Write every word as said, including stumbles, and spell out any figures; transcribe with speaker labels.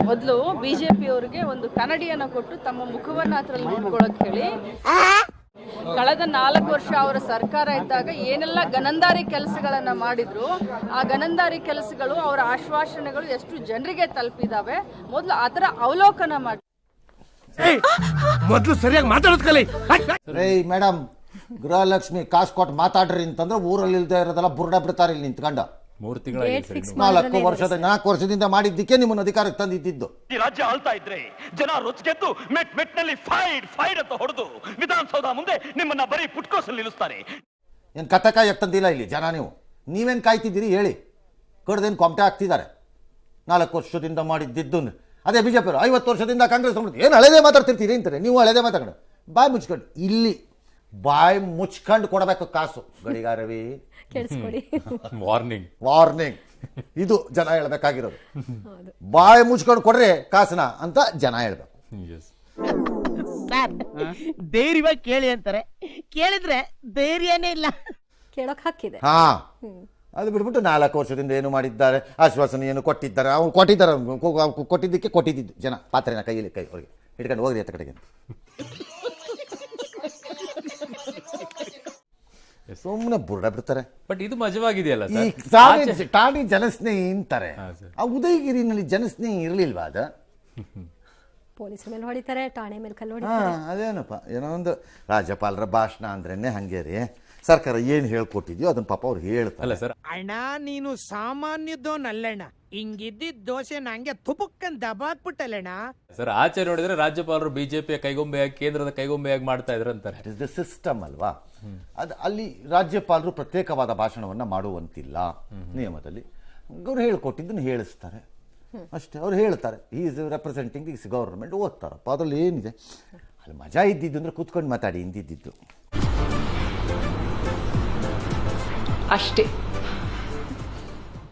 Speaker 1: ಮೊದಲು ಬಿಜೆಪಿ ಅವರಿಗೆ ಒಂದು ಕನ್ನಡಿಯನ್ನು ಕೊಟ್ಟು ತಮ್ಮ ಮುಖವನ್ನು ಅದ್ರಲ್ಲಿ ನೋಡ್ಕೊಳ್ಳೋಕೆ ಹೇಳಿ. ಕಳೆದ ನಾಲ್ಕು ವರ್ಷ ಅವರ ಸರ್ಕಾರ ಇದ್ದಾಗ ಏನೆಲ್ಲ ಗನಂದಾರಿ ಕೆಲಸಗಳನ್ನ ಮಾಡಿದ್ರು, ಆ ಗನಂದಾರಿ ಕೆಲಸಗಳು ಅವರ ಆಶ್ವಾಸನೆಗಳು ಎಷ್ಟು ಜನರಿಗೆ ತಲುಪಿದಾವೆ ಮೊದಲು ಅದರ ಅವಲೋಕನ ಮಾಡಿ.
Speaker 2: ಮೊದಲು ಸರಿಯಾಗಿ ಮಾತಾಡೋದು ಕಲಿ.
Speaker 3: ಮೇಡಮ್, ಗೃಹಲಕ್ಷ್ಮಿ ಕಾಸು ಕೊಟ್ಟು ಮಾತಾಡ್ರಿ ಅಂತಂದ್ರೆ ಊರಲ್ಲಿ ಇಲ್ದೇ ಇರೋದೆಲ್ಲ ಬುರ್ಡ ಬಿಡ್ತಾರೆ ಇಲ್ಲಿ ನಿಂತ್ಕೊಂಡ.
Speaker 4: ಮೂರು ತಿಂಗಳ
Speaker 3: ನಾಲ್ಕು ವರ್ಷದ ನಾಲ್ಕು ವರ್ಷದಿಂದ ಮಾಡಿದ್ದಕ್ಕೆ ನಿಮ್ಮನ್ನು ಅಧಿಕಾರಕ್ಕೆ ತಂದಿದ್ದು.
Speaker 5: ಈ ರಾಜ್ಯ ಆಳ್ತಾ ಇದ್ರೆ ಜನ ರೊಚ್ಗೆದ್ದು ಮೆಟ್ ಮೆಟ್ನಲ್ಲಿ ಫೈಡ್ ಫೈಡ್ ಅಂತ ಹೊಡೆದು ವಿಧಾನಸೌಧ ಮುಂದೆ ನಿಮ್ಮನ್ನ ಬರೀ ಪುಟ್ಕೋಸಲ್ಲಿ ನಿಲ್ಲಿಸ್ತಾರೆ.
Speaker 3: ಏನು ಕತ್ತಕಾಯಿ ತಂದಿಲ್ಲ ಇಲ್ಲಿ ಜನ. ನೀವು ನೀವೇನು ಕಾಯ್ತಿದ್ದೀರಿ ಹೇಳಿ? ಕಡ್ದೇನು ಕೊಮಟೆ ಹಾಕ್ತಿದ್ದಾರೆ. ನಾಲ್ಕು ವರ್ಷದಿಂದ ಮಾಡಿದ್ದಿದ್ದು ಅದೇ ಬಿಜೆಪಿ ಅವರು ಐವತ್ತು ವರ್ಷದಿಂದ ಕಾಂಗ್ರೆಸ್ ಏನು ಹಳೆದೇ ಮಾತಾಡ್ತಿರ್ತೀರಿ ಅಂತಾರೆ. ನೀವು ಹಳೆದೇ ಮಾತಾಡೋಣ. ಬಾಯಿ ಮುಚ್ಕೊಂಡು ಇಲ್ಲಿ ಬಾಯಿ ಮುಚ್ಕೊಂಡು ಕೊಡಬೇಕು ಕಾಸು. ಗಡಿಗಾರವಿ
Speaker 4: ವಾರ್ನಿಂಗ್
Speaker 3: ವಾರ್ನಿಂಗ್ ಇದು ಜನ ಹೇಳ್ಬೇಕಾಗಿರೋದು. ಬಾಯಿ ಮುಚ್ಕೊಂಡು ಕೊಡ್ರೆ ಕಾಸನ ಅಂತ ಜನ ಹೇಳ್ಬೇಕು.
Speaker 2: ಧೈರ್ಯವಾಗಿ ಕೇಳಿ ಅಂತಾರೆ, ಕೇಳಿದ್ರೆ ಧೈರ್ಯನೇ ಇಲ್ಲ.
Speaker 6: ಕೇಳೋಕ್ ಹಾಕಿದೆ.
Speaker 3: ಹಾ, ಅದು ಬಿಟ್ಬಿಟ್ಟು ನಾಲ್ಕು ವರ್ಷದಿಂದ ಏನು ಮಾಡಿದ್ದಾರೆ, ಆಶ್ವಾಸನೆ ಏನು ಕೊಟ್ಟಿದ್ದಾರೆ, ಅವ್ನು ಕೊಟ್ಟಿದ್ದಾರೆ, ಕೊಟ್ಟಿದ್ದಕ್ಕೆ ಕೊಟ್ಟಿದ್ದು ಜನ ಪಾತ್ರೆನ ಕೈಯಲ್ಲಿ ಕೈ ಅವ್ರಿಗೆ ಹಿಡ್ಕೊಂಡು ಹೋಗ್ರಿ ಅಂತ ಕಡೆಗೆ. ಸುಮ್ಮನೆ ಬುರ್ಡ ಬಿಡ್ತಾರೆ.
Speaker 4: ಬಟ್ ಇದು ಮಜವಾಗಿದೆಯಲ್ಲ
Speaker 3: ಈ ಟಾಣಿ ಟಾಣಿ ಜನಸ್ನೇಹಿ ಅಂತಾರೆ. ಆ ಉದಯಗಿರಿನಲ್ಲಿ ಜನಸ್ನೇಹಿ ಇರಲಿಲ್ವಾ? ಅದ
Speaker 6: ಪೊಲೀಸ್ ಮೇಲೆ ಹೊಡಿತಾರೆ, ಠಾಣೆ ಮೇಲೆ ಕಲ್ಲು
Speaker 3: ಹಾ,
Speaker 6: ಹೊಡಿತಾರೆ.
Speaker 3: ಅದೇನಪ್ಪ ಏನೋ ಒಂದು ರಾಜ್ಯಪಾಲರ ಭಾಷಣ ಅಂದ್ರೇನೆ ಹಂಗೆ ರೀ. ಸರ್ಕಾರ ಏನು ಹೇಳ್ಕೊಟ್ಟಿದ್ಯೋ ಅದನ್ನ ಪಾಪ ಅವ್ರು ಹೇಳ್ತಾರೆ.
Speaker 4: ಅಲ್ಲ ಸರ್,
Speaker 2: ಅಣ್ಣ ನೀನು ಸಾಮಾನ್ಯದೋನಲ್ಲಣ್ಣ, ಹಿಂಗಿದ್ದಿದ್ದ ದೋಸೆ ನಂಗೆ ತುಪಕ್ಕನ್ ದಬಾಕ್ಬಿಟ್ಟಲ್ಲಣ್ಣ.
Speaker 4: ಸರ್ ಆಚೆ ನೋಡಿದ್ರೆ ರಾಜ್ಯಪಾಲರು ಬಿಜೆಪಿಯ ಕೈಗೊಂಬೆಯಾಗಿ ಕೇಂದ್ರದ ಕೈಗೊಂಬೆಯಾಗಿ ಮಾಡ್ತಾ ಇದ್ರು ಅಂತಾರೆ.
Speaker 3: ಇಟ್ ಇಸ್ ದ ಸಿಸ್ಟಮ್ ಅಲ್ವಾ? ಅದು ಅಲ್ಲಿ ರಾಜ್ಯಪಾಲರು ಪ್ರತ್ಯೇಕವಾದ ಭಾಷಣವನ್ನು ಮಾಡುವಂತಿಲ್ಲ ನಿಯಮದಲ್ಲಿ. ಅವ್ರು ಹೇಳ್ಕೊಟ್ಟಿದ್ದನ್ನು ಹೇಳಿಸ್ತಾರೆ ಅಷ್ಟೇ. ಅವ್ರು ಹೇಳ್ತಾರೆ ಈ ಇಸ್ ರೆಪ್ರೆಸೆಂಟಿಂಗ್ ದಿಸ್ ಗೌರ್ಮೆಂಟ್, ಓದ್ತಾರಪ್ಪ. ಅದ್ರಲ್ಲಿ ಏನಿದೆ? ಅಲ್ಲಿ ಮಜಾ ಇದ್ದಿದ್ದು ಅಂದರೆ ಕೂತ್ಕೊಂಡು ಮಾತಾಡಿ ಹಿಂದಿದ್ದು
Speaker 1: ಅಷ್ಟೇ.